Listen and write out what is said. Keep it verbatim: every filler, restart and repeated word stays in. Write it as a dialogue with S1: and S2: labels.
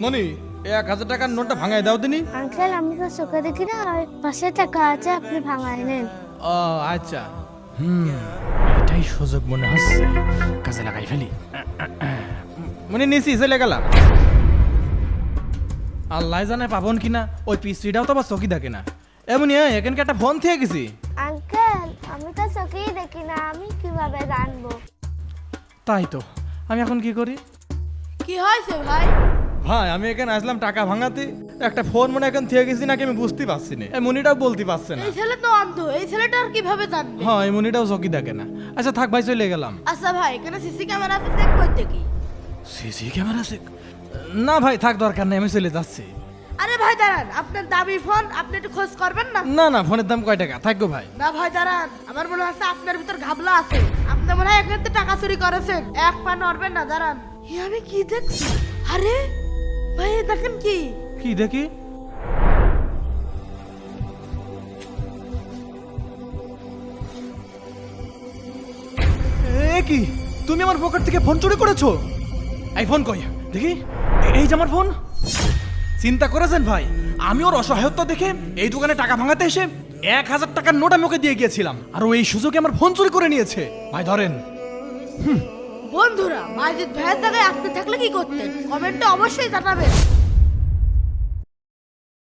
S1: মনি এক হাজার টাকার নোটটা ভাঙাই দাও দিনি।
S2: আঙ্কেল আমি তো চোখে দেখি না, ওই পাশে টাকা আছে, আপনি ভাঙায় নেন।
S1: ও আচ্ছা, হুম এটাই সুযোগ মনে হচ্ছে, কাজে লাগাই ফেলি। মনে নিছি চলে গেলাম। আল্লাহ জানে পাবন কিনা, ওই পিস্ত্রিটাও তো আবার চকি থাকে না। এমনি এখানকে একটা ফোন থেকে গেছি।
S2: আঙ্কেল আমি তো চোখেই দেখি না, আমি কিভাবে জানবো?
S1: তাই তো, আমি এখন কি করি?
S3: কি হয়েছে ভাই?
S1: ভাই আমি এখানে আসলাম টাকা ভাঙাতে, একটা ফোন মনে এখন থেকে গেছি নাকি আমি বুঝতে পারছি না। এই মনিটাও বলতে পারছে না।
S3: এই ছেলে তো অন্ধ, এই ছেলেটা আর কিভাবে জানবে?
S1: হ্যাঁ এই মনিটাও চকি দেখে না। আচ্ছা থাক ভাই, চলে গেলাম।
S3: আচ্ছা ভাই, এখানে সিসি ক্যামেরা আছে, চেক করতে কি?
S1: সিসি ক্যামেরা আছে? না ভাই থাক, দরকার নেই, আমি চলে যাচ্ছি।
S3: আরে ভাই দাঁড়ান, আপনার দামি ফোন, আপনি একটু খোঁজ করবেন না?
S1: না না, ফোনের দাম কয় টাকা? থাকবো ভাই।
S3: না ভাই দাঁড়ান, আমার মনে হচ্ছে আপনার ভিতর ঘাবলা আছে। আপনি মনে হয় এখান থেকে টাকা চুরি করেছেন, এক পা নড়বেন না, দাঁড়ান। এ আমি কি দেখছি? আরে ভাই এ দেখেন কি?
S1: কি দেখি? এ কি, তুমি আমার পকেট থেকে ফোন চুরি করেছো? এই ফোন কই দেখি। এ- এই যে আমার ফোন। চিন্তা করেছেন ভাই, আমি ওর অসহায়তা দেখে এই দোকানে টাকা ভাঙাতে এসে এক হাজার টাকার নোট আমি ওকে দিয়ে গিয়েছিলাম, আর ও এই সুযোগে আমার ফোন চুরি করে নিয়েছে। ভাই ধরেন।
S3: বন্ধুরা, মাজিদ ভাইয়ের জায়গায় আপনি থাকলে কি করতেন? কমেন্টে অবশ্যই জানাবেন।